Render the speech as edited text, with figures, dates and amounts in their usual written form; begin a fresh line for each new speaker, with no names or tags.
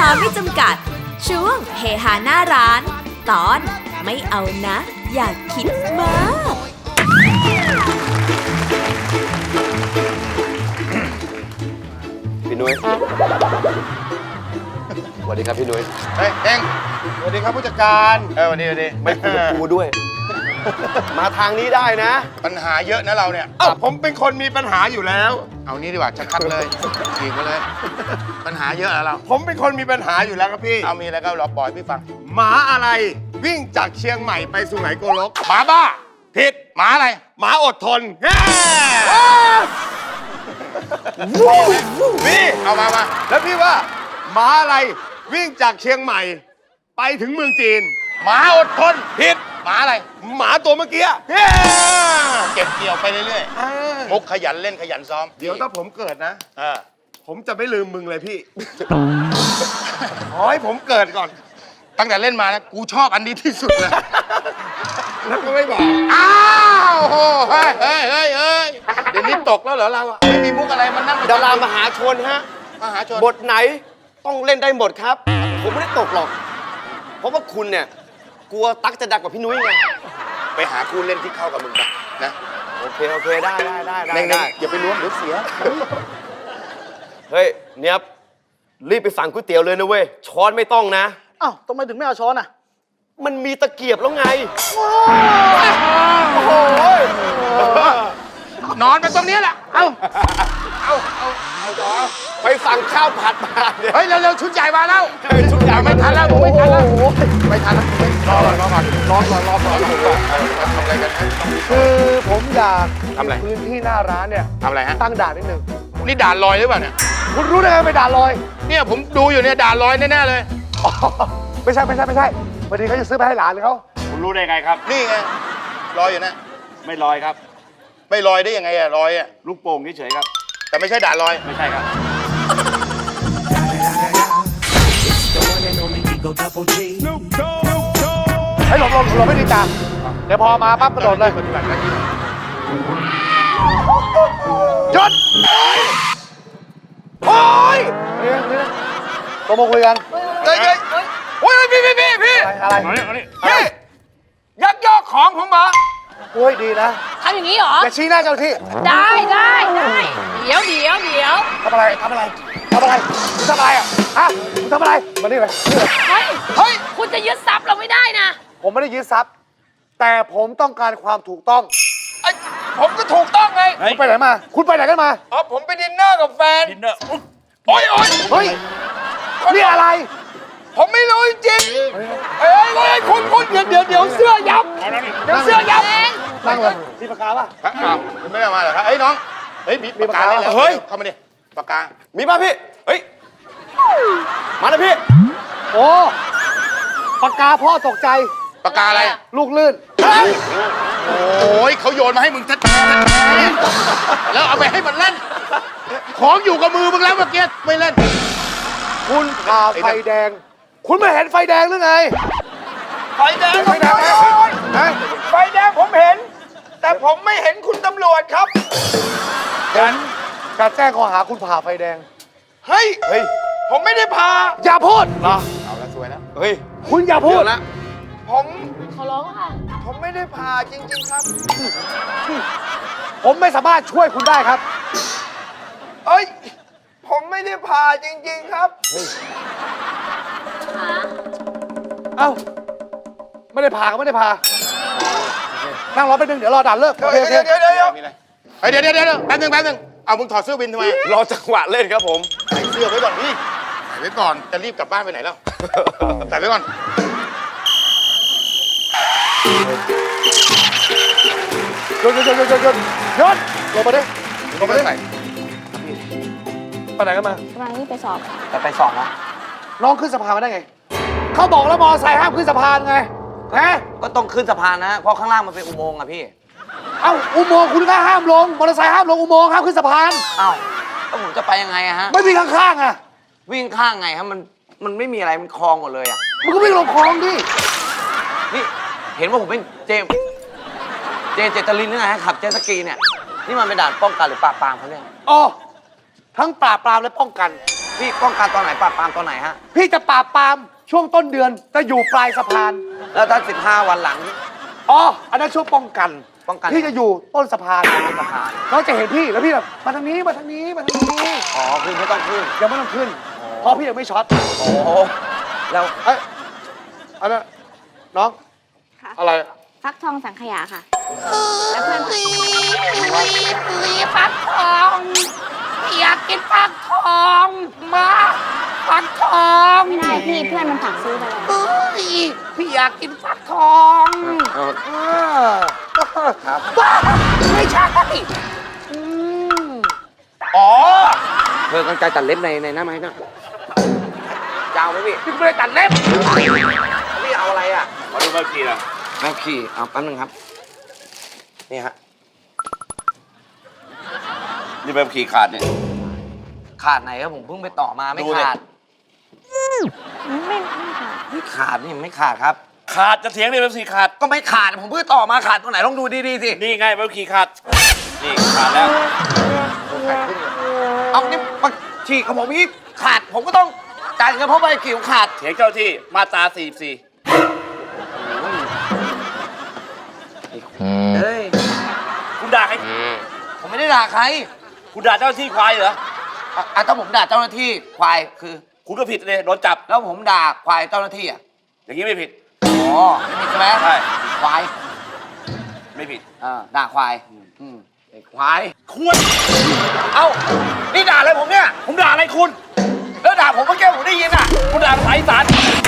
าไม่จำกัด ช่วงเฮฮาหน้าร้าน ตอนไม่เอานะ อยากคิดมาก
พี่นุ้ยสวัสดีครับพี่นุ้ย
เฮ้ยเองสวัสดีครับผู้จัดการวันนี้
ไม่คุยกับกูด้วย มาทางนี้ได้นะ
ปัญหาเยอะนะเราเนี่ยผมเป็นคนมีปัญหาอยู่แล้ว เอานี้ดีกว่าชัดๆเลยฉีกมาเลย ปัญหาเยอะแล้วเราผมเป็นคนมีปัญหาอยู่แล้วครับพี่เอามีอะไรก็รอปล่อยพี่ฟังหมาอะไรวิ่งจากเชียงใหม่ไปสุไหงโกลกหมาบ้าผิดหมาอะไรหมาอดทนพี่เอามาแล้วพี่ว่าหมาอะไรวิ่งจากเชียงใหม่ไปถึงเมืองจีนหมาอดทนผิดหมาอะไรหมาตัวเมื่อกี้เก็บเกี่ยวไปเรื่อยๆมุกขยันเล่นขยันซ้อมเดี๋ยวถ้าผมเกิดนะผมจะไม่ลืมมึงเลยพี่ ขอให้ผมเกิดก่อนตั้งแต่เล่นมานะกูชอบอันนี้ที่สุดเลยแล้วก็ไม่บอกอ้าวเฮ้ยเดี๋ยวนี้ตกแล้วเหรอเราอะไม่มีมุกอะไรมันนั่ง
ดารามหาชนฮะ
มหาชน
บทไหนต้องเล่นได้หมดครับ ผมไม่ได้ตกหรอก เพราะว่าคุณเนี่ยกลัวตั๊กจะดังกว่าพี่นุ้ยไง
ไปหาคู่เล่นที่เข้ากับมึงไปนะ
โอเคได้
เน่งอย่าไปล้วงเดี๋ยวเสีย
เฮ้ยเนียบรีบไปสั่งก๋วยเตี๋ยวเลยนะเว้ยช้อนไม่ต้องนะ
อ้าวทำไมถึงไม่เอาช้อนอ่ะ
มันมีตะเกียบแล้วไง
นอนไปตรงนี้แหละเอา
ไปสั่งข้าวผัดมาเนี่ย
เฮ้ยเร็วๆชุดใหญ่มาแล้ว
ชุดใหญ่
ไม่ทันแล้วไม่ทันแล้วไม่ทันแล้วรอก่อนทำอะไรกัน
คือผมอยาก
ทำอะไร
พื้นที่หน้าร้านเนี่ย
ทำอะไรฮะ
ตั้งด่านนิดนึง
นี่ด่านลอยหรือเปล่าเนี่ย
คุณรู้ได้ไงไปด่านลอย
เนี่ยผมดูอยู่เนี่ยด่านลอยแน่ๆเลย
อ๋อไม่ใช่พอดีเขาจะซื้อไปให้หลานเขา
คุณรู้ได้ไงครับ
นี่ไงลอยอยู่นะ
ไม่ลอยครับ
ไม่ลอยได้ยังไงอะลอยอะ
ลูกโป่งเฉยๆครับ
แต่ไม่ใช่ด่านลอย
ไม่ใช่ครับ
ให้หลบไม่ดีจ้าเดี๋ยวพอมาปั๊บกระโดดเลย
ปฏิบัติหน้าที่
หยุดโอ้ยนี่ตัวมาคุยกัน
เฮ้ยพี่
อะไร
เอานี่เอานี่
พี่ยักยอกของผมเหรอ
โอ้ยดีนะ
ทำอย่างนี้เหรอ
อย่าชี้หน้าเจ้าหน้าที่
ได้เดี๋ยว
ทำอะไรมึงทำอะไรอ่ะฮะมึงทำอะไรมานี่เลยนี่เลย
เฮ้ย คุณจะยึดทรัพย์เราไม่ได้นะ
ผมไม่ได้ยึดทรัพย์ แต่ผมต้องการความถูกต้อง
ไอ้ผมก็ถูกต้องไง
คุณไปไหนมา คุณไปไหนกันมา
อ๋อผมไปดินเนอร์กับแฟน
ดินเนอร์อุ๊ย
โอ๊ย
เฮ้ยนี่อะไร
ผมไม่รู้จริงๆเฮ้ยคุณเดี๋ยวเสื้อยับ
เอาแล้วนี่
เดี๋ยวเสื้อยับ
นั่งเลยมีปากกาป่ะ
อ้าวคุณไม่ได้มาเหรอครับเฮ้ยน้องเฮ้ยมีปากกาเลยเฮ้ยเข้ามาดิปากกา
มีป่ะพี่ เฮ้ย มาเลยพี่
โอ้ปากกาพ่อตกใจ
ปากกาอะไร
ลูกลื่น
โอ้ยเขาโยนมาให้มึงชัดแล้วเอาไปให้มันเล่น ของอยู่กับมือมึงแล้วเมื่อกี้ไม่เล่น
คุณผ่าไฟแดง คุณไม่เห็นไฟแดงหรือไง
ไฟแดงไฟแดงไฟแดงผมเห็น แต่ผมไม่เห็นคุณตำรวจครับ
การแจ้งข้อหาคุณผ่าไฟแดง
เฮ้ยผมไม่ได้พา
อย่าพูด
เอาละสวยแล้ว
เฮ้ย
คุณอย่าพูด
เดี๋ยวละ
ผม
ขอร้องค่ะ
ผมไม่ได้พาจริงๆครับ
ผมไม่สามารถช่วยคุณได้ครับ
เอ้ยผมไม่ได้พาจริงๆครับ
เอ้า ไม่ได้พาก็ไม่ได้พา นั่งรอไปบนึง เดี๋ยวรอด่านเลิก
เดี๋ยวแป๊บนึงเอามึงถอดเสื้อวินทำไม
รอจังหวะเล่นครับผม
ใส่เสื้อไว้ก่อนพี่ใส่ไว้ก่อนจะรีบกลับบ้านไปไหนแล้วใส่ไว้ก่อน
หยุดลงมาดิ
ใส่
ไปไหนกันมา
วันนี้ไปสอบ
ไปสอบนะ
น้องขึ้นสะพานมาได้ไง เขาบอกแล้วมอไซค์ห้ามขึ้นสะพานไงฮะ
ก็ต้องขึ้นสะพานนะ เพราะข้างล่างมันเป็นอุโมงค์อะพี่
เอ้า อุโมงค์คุณก็ห้ามลง มอเตอร์ไซค์ห้ามลงอุโมงค์ห้ามขึ้นสะพาน
อ้าวแล้วผมจะไปยังไงอะฮะ
ไม่มีข้างๆอ่ะ
วิ่งข้างไงฮะ มันไม่มีอะไร มันคลองหมดเลยอะ
มึงก็วิ่งลงคลองดิ
นี่เห็นว่าผมเป็นเจตลินหรือไงฮะขับเจ็ตสกีเนี่ย นี่มันเป็นด่านป้องกันหรือปราบปรามเขาเนี่ย
อ๋อ ทั้งปราบปรามและป้องกัน
พี่ป้องกันตอนไหนปราบปรามตอนไหนฮะ
พี่จะปราบปรามช่วงต้นเดือนจะอยู่ปลายสะพาน
แล้วถ้า15 วันหลัง
อ๋อ อันนั้นช่วงป้องกัน
ป้องกัน
พี่จะอยู่ต้นสะพาน
สะพาน
เขาจะเห็นพี่แล้วพี่แบบมาทางนี้มาทางนี้มาทางนี้
อ๋อคือไม่ต้องขึ้น
ยังไม่ต้องขึ้น เพราะพี่ยังไม่ช็อต
โอ้โหแล้ว
เอ้ยอันนั้นน้อง
ค่ะ
อะไร
ฟักทองสังขยาค่ะ แล้วเพื่อนค่ะ
ฟักทองอยากกินฟักทองมาฟักทอง
ไม่ได้พี่เพื่อนมันฝากซื้อไปแล้ว
เฮ้ยพี่อยากกินฟักทอง
ครับ
ไม่ใช่อืม
อ๋อ
เธอกันไกลตัดเล็บในหน้าไม้นะจะเอาไหมพี่
พี่ไม่ได้ตัดเล็บ
พี่เอาอะไรอ่ะ
มาดูใบขับขี่นะ
แม่ขี่เอาแป๊บนึงครับ นี่ฮะ
นี่ใบขับขี่ขาดเนี่ย
ขาดไหนครับผมเพิ่งไปต่อมาไม่
ดูดิ
ขาด
ไม่ค่ะ
ไม่ขาดนี่ไม่ขาดครับ
ขาดจะเถียงเลยใบขับขี่ขาด
ก็ไม่ขาดผมเพิ่งต่อมาขาดตรงไหนลองดูดีๆสิ
นี่ไงใบขับขี่ขาด นี่ขาดแล้ว
เอานี่มาฉีกของผมอีกขาดผมก็ต้องจ่ายเงินเพราะใบขับขี่ผมขาด
เถียงเจ้าที่มาตรา44
เฮ้ย
คุณด่าใคร
ผมไม่ได้ด่าใคร
คุณด่าเจ้าหน้าที่ควายเหรอ
อ่ะถ้าผมด่าเจ้าหน้าที่ควายคือ
คุณก็ผิดเลยโดนจับ
แล้วผมด่าควายเจ้าหน้าที่อ่ะ
อย่างนี้ไม่ผิด
อ๋อไม่ผิดใช่ไหม
ใช่
ควาย
ไม่ผิด
ด่าควายไอ้ควาย
ควร
เอ้านี่ด่าอะไรผมเนี่ย
ผมด่าอะไรคุณ
แล้วด่าผมเมื่อกี้ผมได้ยินอ่ะ
คุณด่าภาษาอีสาน